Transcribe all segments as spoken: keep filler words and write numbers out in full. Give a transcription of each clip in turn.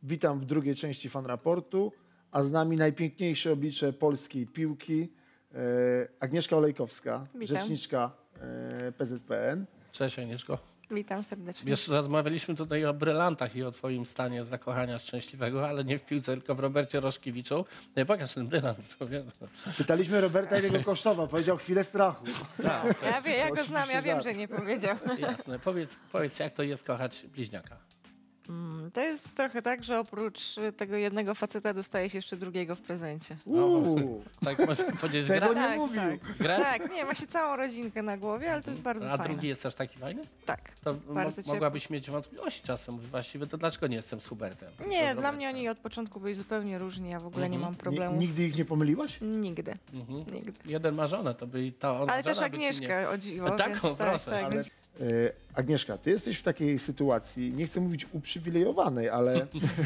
Witam w drugiej części Fan Raportu, a z nami najpiękniejsze oblicze polskiej piłki, e, Agnieszka Olejkowska, Witam. rzeczniczka e, P Z P N. Cześć Agnieszko. Witam serdecznie. Wiesz, rozmawialiśmy tutaj o brylantach i o twoim stanie zakochania szczęśliwego, ale nie w piłce, tylko w Robercie Roszkiewiczu. Nie, pokaż ten brylant. Pytaliśmy Roberta, ile go kosztował. Powiedział chwilę strachu. Tak. Ja, wie, ja go znam, ja wiem, żart. że nie powiedział. Jasne. Powiedz, powiedz, jak to jest kochać bliźniaka? To jest trochę tak, że oprócz tego jednego faceta dostaje się jeszcze drugiego w prezencie. Uuu, Tak można powiedzieć, tego gra? nie Tak, mówił. tak. Gra? Tak, nie, ma się całą rodzinkę na głowie, ale to jest bardzo A fajne. drugi jest też taki fajny? Tak, To bardzo mo ciepły. mogłabyś mieć wątpliwości czasem. Właściwie to dlaczego nie jestem z Hubertem? Nie, To z dla Robertem. mnie oni od początku byli zupełnie różni, ja w ogóle nie mam Ni- problemów. Nigdy ich nie pomyliłaś? Nigdy, Mhm. nigdy. Jeden ma żonę, to by ta ona Ale też żona by ci nie... Agnieszkę, o dziwo, Taką, więc tak, proszę. tak, Ale, więc e, Agnieszka, ty jesteś w takiej sytuacji, nie chcę mówić uprzywilejowanej, ale,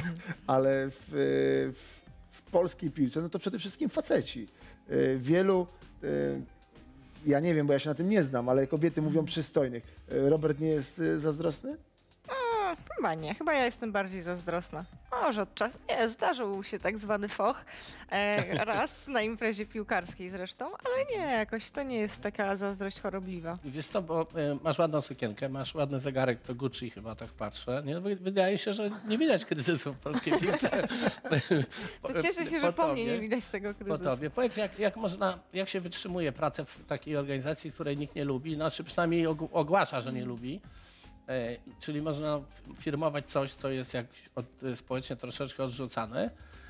ale w, w, w polskiej piłce, no to przede wszystkim faceci. E, wielu, e, ja nie wiem, bo ja się na tym nie znam, ale kobiety mówią przystojnych. E, Robert nie jest e, zazdrosny? chyba nie, chyba ja jestem bardziej zazdrosna. Może od czasu, nie, zdarzył się tak zwany foch, e, raz na imprezie piłkarskiej zresztą, ale nie, jakoś to nie jest taka zazdrość chorobliwa. Wiesz co, bo y, masz ładną sukienkę, masz ładny zegarek, to Gucci chyba tak patrzę. Nie? Wy- Wydaje się, że nie widać kryzysu w polskiej piłce. To cieszę się, że po mnie nie widać tego Po kryzysu. tobie. Powiedz, jak, jak można, jak się wytrzymuje pracę w takiej organizacji, której nikt nie lubi, znaczy przynajmniej og- ogłasza, że nie lubi. E, czyli można firmować coś, co jest jak od, społecznie troszeczkę odrzucane,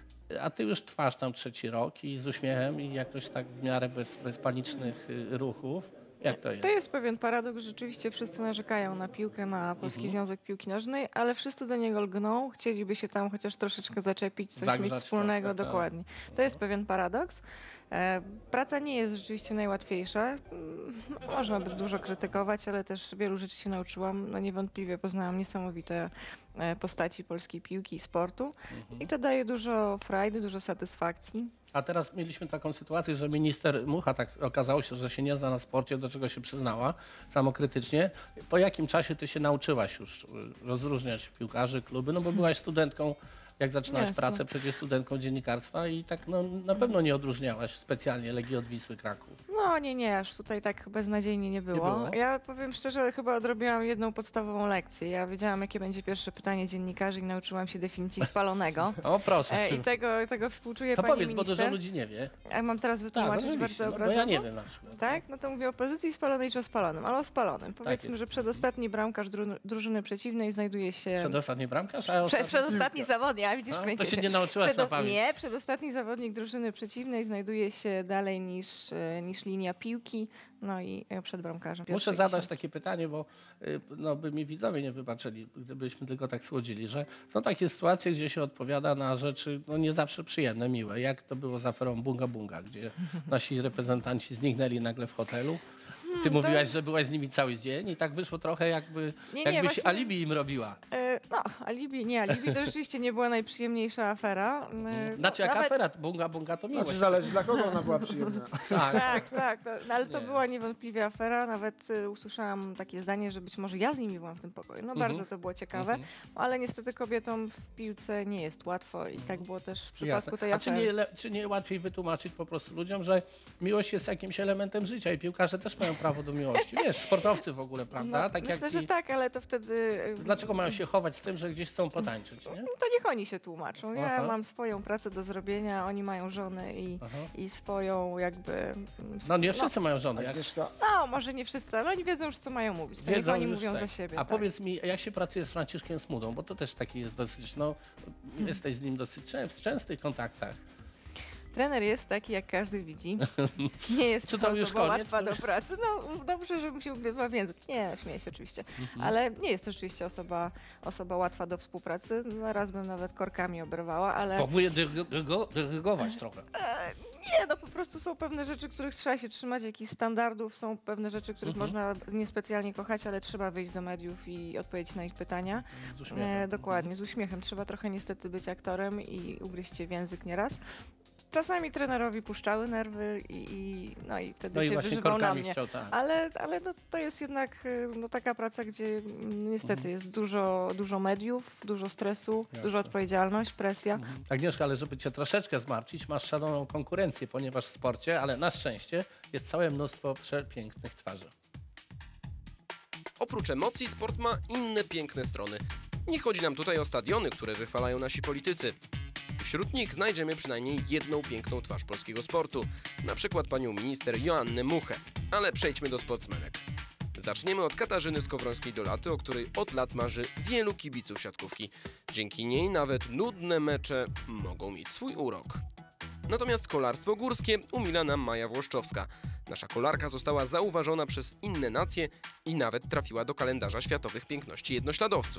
a ty już trwasz tam trzeci rok i z uśmiechem i jakoś tak w miarę bez, bez panicznych y, ruchów. Jak to jest? To jest pewien paradoks, rzeczywiście wszyscy narzekają na piłkę, na Polski Mhm. Związek Piłki Nożnej, ale wszyscy do niego lgną, chcieliby się tam chociaż troszeczkę zaczepić, coś Zagrzać mieć wspólnego, trochę, tak. dokładnie. To jest pewien paradoks. E, praca nie jest rzeczywiście najłatwiejsza. Mm, no, można by dużo krytykować, ale też wielu rzeczy się nauczyłam. No niewątpliwie poznałam niesamowite e, postaci polskiej piłki i sportu Mhm. i to daje dużo frajdy, dużo satysfakcji. A teraz mieliśmy taką sytuację, że minister Mucha tak okazało się, że się nie zna na sporcie, do czego się przyznała samokrytycznie. Po jakim czasie ty się nauczyłaś już y, rozróżniać piłkarzy, kluby? No bo byłaś studentką, jak zaczynałaś Jasne. pracę, przecież studentką dziennikarstwa i tak no, na pewno nie odróżniałaś specjalnie Legii od Wisły Kraków. No nie, nie, aż tutaj tak beznadziejnie nie było. było? Ja powiem szczerze, chyba odrobiłam jedną podstawową lekcję. Ja wiedziałam, jakie będzie pierwsze pytanie dziennikarzy i nauczyłam się definicji spalonego. O proszę. E, I tego, tego współczuję to pani powiedz, bo minister. dużo ludzi nie wie. A mam teraz Tak, wytłumaczyć oczywiście, bardzo no, bo obrazowo? ja nie wiem na przykład. Tak? No to mówię o pozycji spalonej czy o spalonym, ale o spalonym. Powiedzmy, jest. że przedostatni bramkarz dru drużyny przeciwnej znajduje się... Przedostatni bramkarz, a Prze ostatni... przedostatni zawodnik, a widzisz, A, kręcię to się nie nauczyłaś Przedo- na pamięć. Nie, przedostatni zawodnik drużyny przeciwnej znajduje się dalej niż, e, niż linia piłki, no i e, przed bramkarzem. Muszę Pierwszy zadać dziesiąt. takie pytanie, bo y, no, by mi widzowie nie wybaczyli, gdybyśmy tylko tak słodzili, że są takie sytuacje, gdzie się odpowiada na rzeczy no, nie zawsze przyjemne, miłe. Jak to było z aferą Bunga Bunga, gdzie nasi reprezentanci zniknęli nagle w hotelu. Ty mówiłaś, że byłaś z nimi cały dzień i tak wyszło trochę jakby, Nie, nie, jakbyś właśnie- alibi im robiła. E, no, alibi, nie, alibi to rzeczywiście nie była najprzyjemniejsza afera. E, Znaczy no, jaka nawet- afera? Bunga Bunga to miłość. Znaczy zależy, dla kogo ona była przyjemna. Tak. Tak, tak, to, no, ale to Nie. była niewątpliwie afera. Nawet y, usłyszałam takie zdanie, że być może ja z nimi byłam w tym pokoju. No Mhm. bardzo to było ciekawe, Mhm. ale niestety kobietom w piłce nie jest łatwo i tak było też w przypadku Jasne. tej A czy afery. nie, le- czy nie łatwiej wytłumaczyć po prostu ludziom, że miłość jest jakimś elementem życia i piłkarze też mają prawo do miłości? Wiesz, sportowcy w ogóle, prawda? No, tak myślę, jak że i... tak, ale to wtedy... y, Dlaczego mają się chować z tym, że gdzieś chcą potańczyć, nie? No to niech oni się tłumaczą. Ja Aha. mam swoją pracę do zrobienia, oni mają żony i, Aha. i swoją jakby... mm, No nie sp- wszyscy mają żony. Jak Agnieszka, No, może nie wszyscy, ale oni wiedzą już, co mają mówić. To niech wiedzą oni już mówią tak. za siebie. A tak. powiedz mi, jak się pracuje z Franciszkiem Smudą, bo to też taki jest dosyć, no, jesteś z nim dosyć czę- w częstych kontaktach. Trener jest taki, jak każdy widzi. Nie jest Czy to to już osoba koniec? łatwa do pracy. No dobrze, żebym się ugryzła w język. Nie, śmieję się oczywiście. Mhm. Ale nie jest to rzeczywiście osoba, osoba łatwa do współpracy. No, raz bym nawet korkami oberwała, ale To mówię dyrygo- dyrygo- dyrygować trochę. nie, no po prostu są pewne rzeczy, których trzeba się trzymać, jakichś standardów. Są pewne rzeczy, których Mhm. można niespecjalnie kochać, ale trzeba wyjść do mediów i odpowiedzieć na ich pytania. Z uśmiechem. E, dokładnie, z uśmiechem. Trzeba trochę niestety być aktorem i ugryźć się w język nieraz. czasami trenerowi puszczały nerwy i, i, no i wtedy No i się właśnie wyżywał na korkami mnie. chciał, tak. Ale, ale no, to jest jednak y, no, taka praca, gdzie mm, niestety Mhm. jest dużo, dużo mediów, dużo stresu, Jasne. duża odpowiedzialność, presja. Mhm. Agnieszka, ale żeby cię troszeczkę zmartwić, masz szaloną konkurencję, ponieważ w sporcie, ale na szczęście jest całe mnóstwo przepięknych twarzy. Oprócz emocji sport ma inne piękne strony. Nie chodzi nam tutaj o stadiony, które wychwalają nasi politycy. Wśród nich znajdziemy przynajmniej jedną piękną twarz polskiego sportu, na przykład panią minister Joannę Muchę. Ale przejdźmy do sportsmenek. Zaczniemy od Katarzyny Skowrońskiej-Dolaty, o której od lat marzy wielu kibiców siatkówki. Dzięki niej nawet nudne mecze mogą mieć swój urok. Natomiast kolarstwo górskie umila nam Maja Włoszczowska. Nasza kolarka została zauważona przez inne nacje i nawet trafiła do kalendarza światowych piękności jednośladowców.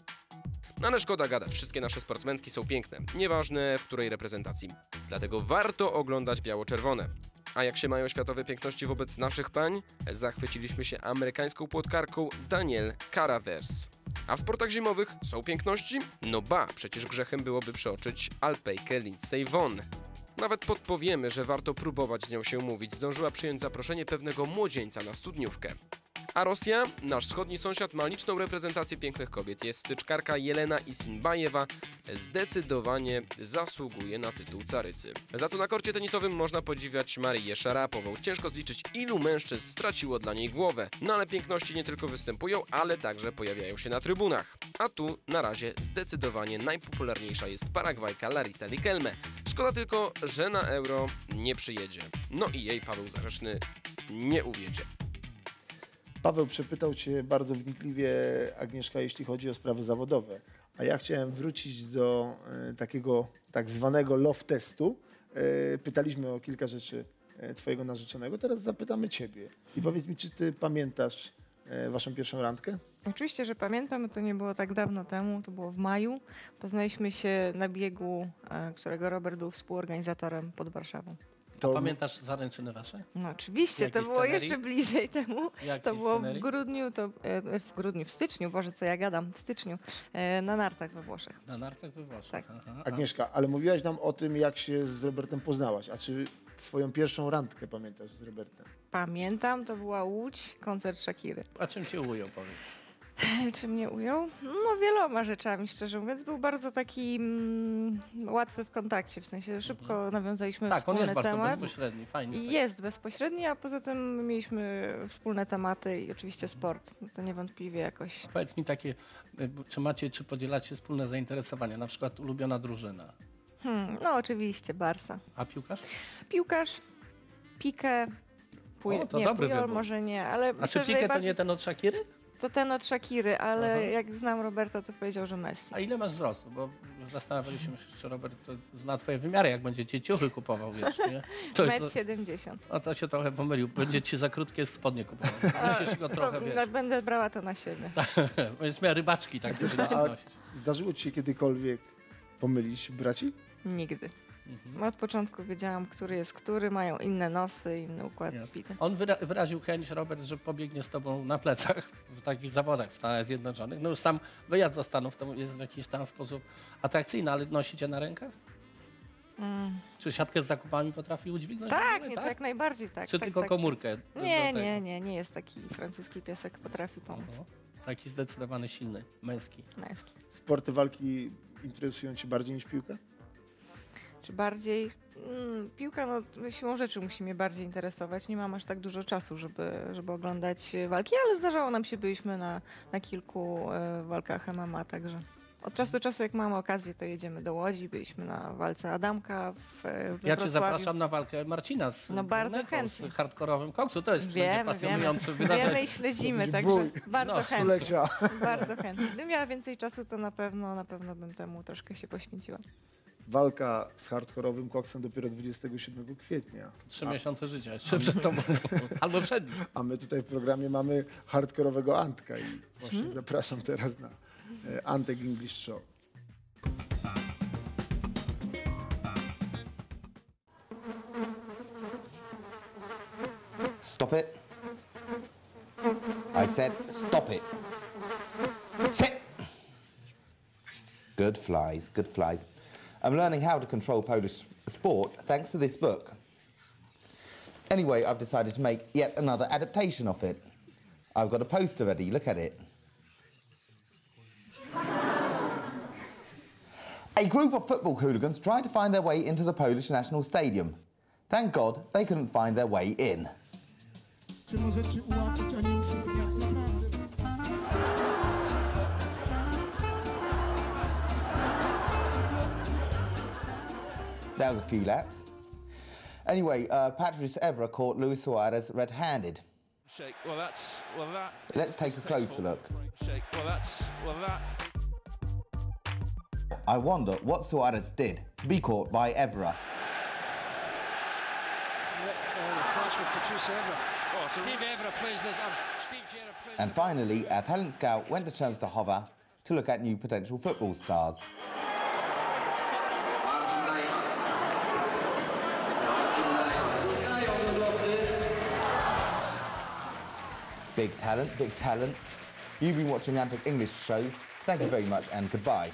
Ale szkoda gadać, wszystkie nasze sportsmenki są piękne, nieważne w której reprezentacji. Dlatego warto oglądać biało-czerwone. A jak się mają światowe piękności wobec naszych pań? Zachwyciliśmy się amerykańską płotkarką Danielle Caravers. A w sportach zimowych są piękności? No ba, przecież grzechem byłoby przeoczyć Alpejkę Lindsey Vonn. Nawet podpowiemy, że warto próbować z nią się umówić. Zdążyła przyjąć zaproszenie pewnego młodzieńca na studniówkę. A Rosja, nasz wschodni sąsiad, ma liczną reprezentację pięknych kobiet. Jest styczkarka Jelena Isinbajewa, zdecydowanie zasługuje na tytuł carycy. Za to na korcie tenisowym można podziwiać Marię Szarapową. Ciężko zliczyć, ilu mężczyzn straciło dla niej głowę. No ale piękności nie tylko występują, ale także pojawiają się na trybunach. A tu na razie zdecydowanie najpopularniejsza jest Paragwajka Larisa Riquelme. Szkoda tylko, że na Euro nie przyjedzie. No i jej Paweł Zarzeczny nie uwiedzie. Paweł przepytał cię bardzo wnikliwie, Agnieszka, jeśli chodzi o sprawy zawodowe. A ja chciałem wrócić do e, takiego tak zwanego love testu. E, pytaliśmy o kilka rzeczy e, twojego narzeczonego. Teraz zapytamy ciebie. I powiedz mi, czy ty pamiętasz e, waszą pierwszą randkę? Oczywiście, że pamiętam, to nie było tak dawno temu, to było w maju. Poznaliśmy się na biegu, e, którego Robert był współorganizatorem pod Warszawą. To Pamiętasz zaręczyny wasze? No oczywiście, Jakiej to było scenerii? jeszcze bliżej temu. Jakiej To było w scenerii? grudniu, to e, w grudniu, w styczniu, Boże, co ja gadam, w styczniu, e, na nartach we Włoszech. Na nartach we Włoszech. Tak. Aha, a- Agnieszka, ale mówiłaś nam o tym, jak się z Robertem poznałaś. A czy swoją pierwszą randkę pamiętasz z Robertem? Pamiętam, to była Łódź, koncert Shakiry. A czym cię ujął, powiedz? Czy mnie ujął? No wieloma rzeczami, szczerze mówiąc. Był bardzo taki mm, łatwy w kontakcie, w sensie szybko nawiązaliśmy Tak, on wspólny jest bardzo temat. bezpośredni, fajnie. I tak. jest bezpośredni, a poza tym mieliśmy wspólne tematy i oczywiście sport. No to niewątpliwie jakoś. Powiedz mi takie, y, czy macie, czy podzielacie wspólne zainteresowania, na przykład ulubiona drużyna, Hmm, no oczywiście, Barsa. a piłkarz? Piłkarz, Pique, Puj- O, to nie, dobry Pujol wybór. może nie, ale A czy myślę, że Piqué to najbardziej- nie ten od Shakiry? to ten od Shakiry, ale Aha. jak znam Roberta, to powiedział, że Messi. A ile masz wzrostu? Bo zastanawialiśmy się, czy Robert to zna twoje wymiary, jak będzie ci ciuchy kupował, wiesz, nie? To Metr jest, siedemdziesiąt. a to się trochę pomylił. Będzie ci za krótkie spodnie kupował. Musisz go trochę, To wiesz. na- będę brała to na siebie. Będziesz miała rybaczki takie będziesz A nosić. zdarzyło ci się kiedykolwiek pomylić braci? Nigdy. Mhm. Od początku wiedziałam, który jest który, mają inne nosy, inny układ Jasne. bity. On wyra- wyraził chęć, Robert, że pobiegnie z tobą na plecach w takich zawodach w Stanach Zjednoczonych. No już sam wyjazd do Stanów to jest w jakiś tam sposób atrakcyjny, ale nosicie na rękach? Mm. Czy siatkę z zakupami potrafi udźwignąć? Tak, w ogóle, nie, to jak najbardziej tak. Czy tak, tylko tak. komórkę? do- Nie, do tego? nie, nie, nie jest taki francuski piesek, potrafi pomóc. Oho. Taki zdecydowany, silny, męski. Męski. Sporty walki interesują cię bardziej niż piłka? Czy bardziej? Mm, piłka, no siłą rzeczy musi mnie bardziej interesować. Nie mam aż tak dużo czasu, żeby, żeby oglądać e, walki, ale zdarzało nam się, byliśmy na, na kilku e, walkach M M A, także od czasu do czasu, jak mamy okazję, to jedziemy do Łodzi. Byliśmy na walce Adamka w, e, we Ja cię Wrocławiu. zapraszam na walkę Marcina z, No bardzo Brunetą, chętnie. z hardkorowym koksu. To jest będzie Wiemy, wiemy, pasjonujące wydarzenie. wiemy i śledzimy, To także będzie bój. bardzo No, chętnie. Stulecia. Bardzo chętnie. Gdybym miała więcej czasu, to na pewno, na pewno bym temu troszkę się poświęciła. Walka z hardkorowym koksem dopiero dwudziestego siódmego kwietnia. Trzy miesiące życia jeszcze przed tobą. Albo przed nim. A my tutaj w programie mamy hardkorowego Antka i właśnie Hmm? zapraszam teraz na e, Antek English Show. Stop it. I said stop it. Sit. Good flies, good flies. I'm learning how to control Polish sport thanks to this book. Anyway, I've decided to make yet another adaptation of it. I've got a poster ready, look at it. A group of football hooligans tried to find their way into the Polish National Stadium. Thank God they couldn't find their way in. Czy możecie ułatwić, a nie utrudniać? Naprawdę. That was a few laps. Anyway, uh, Patrice Evra caught Luis Suarez red-handed. Shake. Well, that's well that. Let's take a closer look. Shake. Well, that's well that. I wonder what Suarez did to be caught by Evra. And finally, our talent scout went to Częstochowa to look at new potential football stars. Big talent, big talent. You've been watching Antic English Show. Thank you very much and goodbye.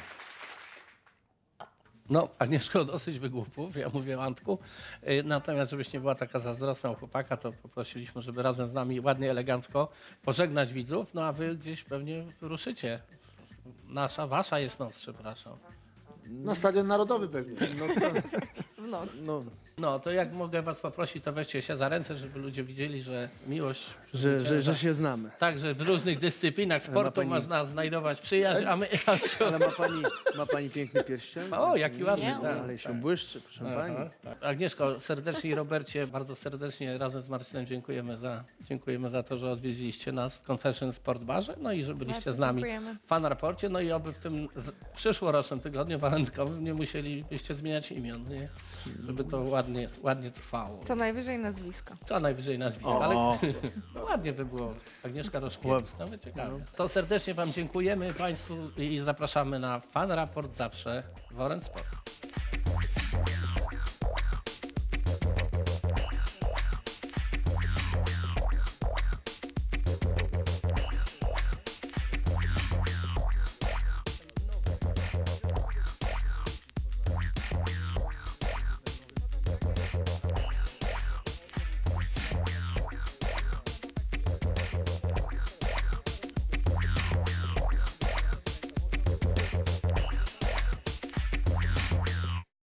No, Agnieszko, dosyć wygłupów, ja mówię o Antku. Y, Natomiast, żebyś nie była taka zazdrosna o chłopaka, to poprosiliśmy, żeby razem z nami ładnie, elegancko pożegnać widzów, no a wy gdzieś pewnie ruszycie. Nasza, wasza jest noc, przepraszam. Na Stadion Narodowy pewnie. No to, W noc. no, No, to jak mogę was poprosić, to weźcie się za ręce, żeby ludzie widzieli, że miłość... że, że, że się znamy. Także w różnych dyscyplinach sportu pani- można znajdować przyjaźń, a my... Ale ma pani, ma pani piękny pierścień? O, jaki ładny, Nie. tak. Ale się błyszczy, proszę pani. Agnieszko, serdecznie i Robercie, bardzo serdecznie razem z Marcinem dziękujemy za, dziękujemy za to, że odwiedziliście nas w Convention Sport Barze, no i że byliście Bardzo z nami dziękujemy. w Fan Raporcie, no i oby w tym z, przyszłorocznym tygodniu walentkowym nie musielibyście zmieniać imion, nie? Żeby to ładnie, ładnie trwało. Co najwyżej nazwisko. Co najwyżej nazwisko, ale ładnie by było. Agnieszka Roszkiewicz, nawet ciekawe. To serdecznie wam dziękujemy Państwu i zapraszamy na Fan Raport zawsze w Orange Sport.